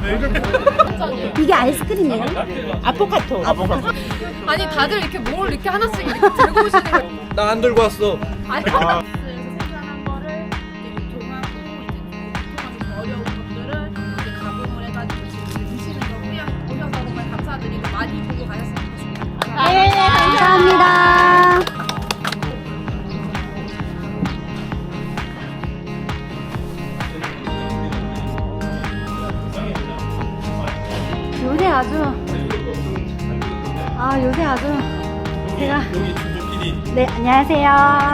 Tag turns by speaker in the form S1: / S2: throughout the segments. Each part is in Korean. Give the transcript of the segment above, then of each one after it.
S1: 이게 아이스크림이에요?
S2: 아포카토.
S3: 아니 다들 이렇게 뭘 이렇게 하나씩 이렇게 들고 오시는 거예요.
S4: 나 안 들고 왔어.
S3: 아니
S5: 생산한 거를 이제 유통하고 이제 어려운 것들을 이제 가공을 해가지고 지금 드시는 거고요. 오셔서 정말 감사드리고 많이 보고 가셨으면 좋겠습니다.
S1: 감사합니다. 요새 아주 제가
S4: 여기 중국 PD.
S1: 네 안녕하세요.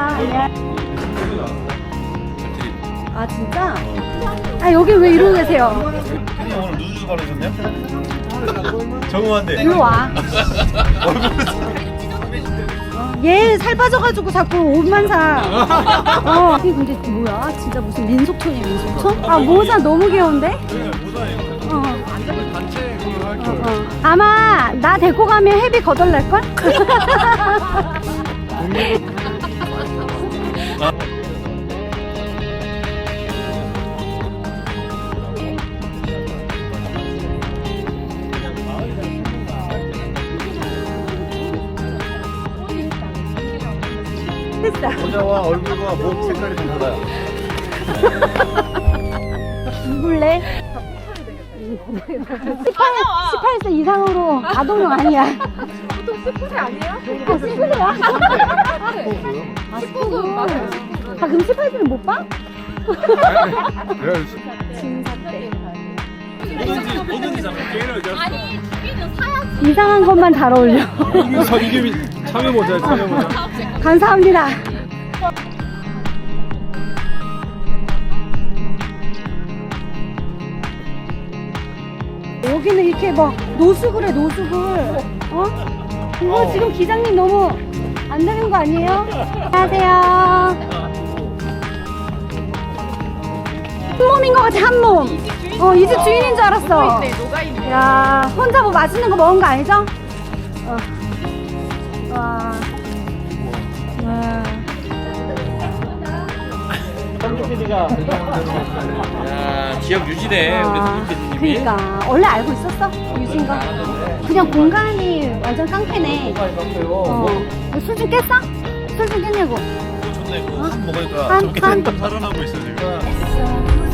S1: 아 진짜? 아 여기 왜 이러고 계세요?
S4: PD 오늘 누드 바르셨냐? 정우한테.
S1: 일로 와. 얘 살 빠져가지고 자꾸 옷만 사. 이게 근데 뭐야? 진짜 무슨 민속촌이야 민속촌? 아 모자 너무 귀여운데?
S4: 모자 이거. 단체 그걸 할 걸.
S1: 아마 나 데리고 가면 헤비 거덜날걸? 됐어.
S4: 모자와 얼굴과 목 색깔이 좀 달라요.
S1: 누굴래? 18세 이상으로 아동용 아니야.
S3: 보통 19세 아니에요?
S1: 19세야? 아, 19금 맞아요. 아, 그럼 18세는 못 봐?
S4: 뭐든지 잡고 게임을
S3: 아니 우리는 사야지.
S1: 이상한 것만 잘 어울려.
S4: 이게 참여 모자야 참여 모자.
S1: 감사합니다. 여기는 이렇게 막 노숙을 해 노숙을. 이거 지금 기장님 너무 안 되는 거 아니에요? 안녕하세요. 한 몸인 것 같아 한 몸. 이 집 주인인 줄 알았어.
S3: 녹아있네.
S1: 야 혼자 뭐 맛있는 거 먹은 거 아니죠? 와.
S4: 야 기억 유지돼 우리
S1: 아,
S4: 수진 PD님이.
S1: 그러니까 원래 알고 있었어? 유진 거? 그냥 공간이 완전 깡패네. 술 좀 깼어? 술 좀 깼냐고.
S4: 좋네. 그거 한 먹으니까
S1: 한,
S4: 저렇게
S1: 한.
S4: 살아나고 있어 지금.